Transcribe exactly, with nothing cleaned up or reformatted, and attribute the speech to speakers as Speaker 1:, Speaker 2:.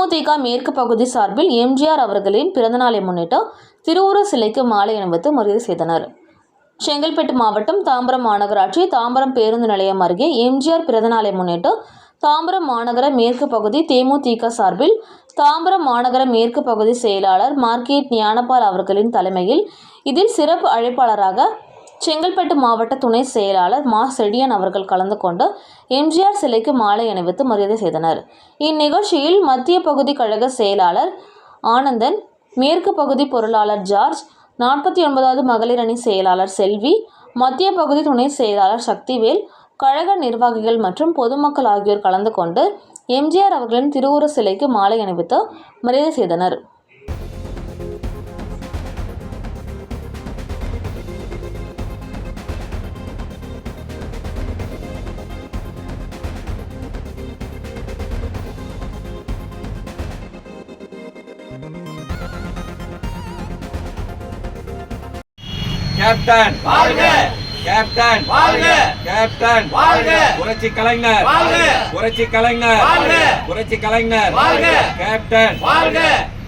Speaker 1: தேமுதிக மேற்கு பகுதி சார்பில் எம்ஜிஆர் அவர்களின் பிறந்தநாளை முன்னிட்டு திருவுருவ சிலைக்கு மாலை அணிவித்து மரியாதை செய்தனர். செங்கல்பட்டு மாவட்டம் தாம்பரம் மாநகராட்சி தாம்பரம் பேருந்து நிலையம் அருகே எம்ஜிஆர் பிறந்தநாளை முன்னிட்டு தாம்பரம் மாநகர மேற்கு பகுதி தேமுதிக சார்பில் தாம்பரம் மாநகர மேற்கு பகுதி செயலாளர் மார்க்கெட் ஞானபால் அவர்களின் தலைமையில் இதில் சிறப்பு அழைப்பாளராக செங்கல்பட்டு மாவட்ட துணை செயலாளர் மா செடியன் அவர்கள் கலந்து கொண்டு எம்ஜிஆர் சிலைக்கு மாலை அணிவித்து மரியாதை செய்தனர். இந்நிகழ்ச்சியில் மத்திய பகுதி கழக செயலாளர் ஆனந்தன், மேற்கு பகுதி பொருளாளர் ஜார்ஜ், நாற்பத்தி ஒன்பதாவது மகளிர் அணி செயலாளர் செல்வி, மத்திய பகுதி துணை செயலாளர் சக்திவேல், கழக நிர்வாகிகள் மற்றும் பொதுமக்கள் ஆகியோர் கலந்து கொண்டு எம்ஜிஆர் அவர்களின் திருவுருவ சிலைக்கு மாலை அணிவித்து மரியாதை செய்தனர்.
Speaker 2: கேப்டன் வாழ்க, கேப்டன் வாழ்க, கேப்டன் வாழ்க, புரட்சி கலைஞர் வாழ்க, புரட்சி கலைஞர் வாழ்க, புரட்சி கலைஞர் வாழ்க, கேப்டன் வாழ்க.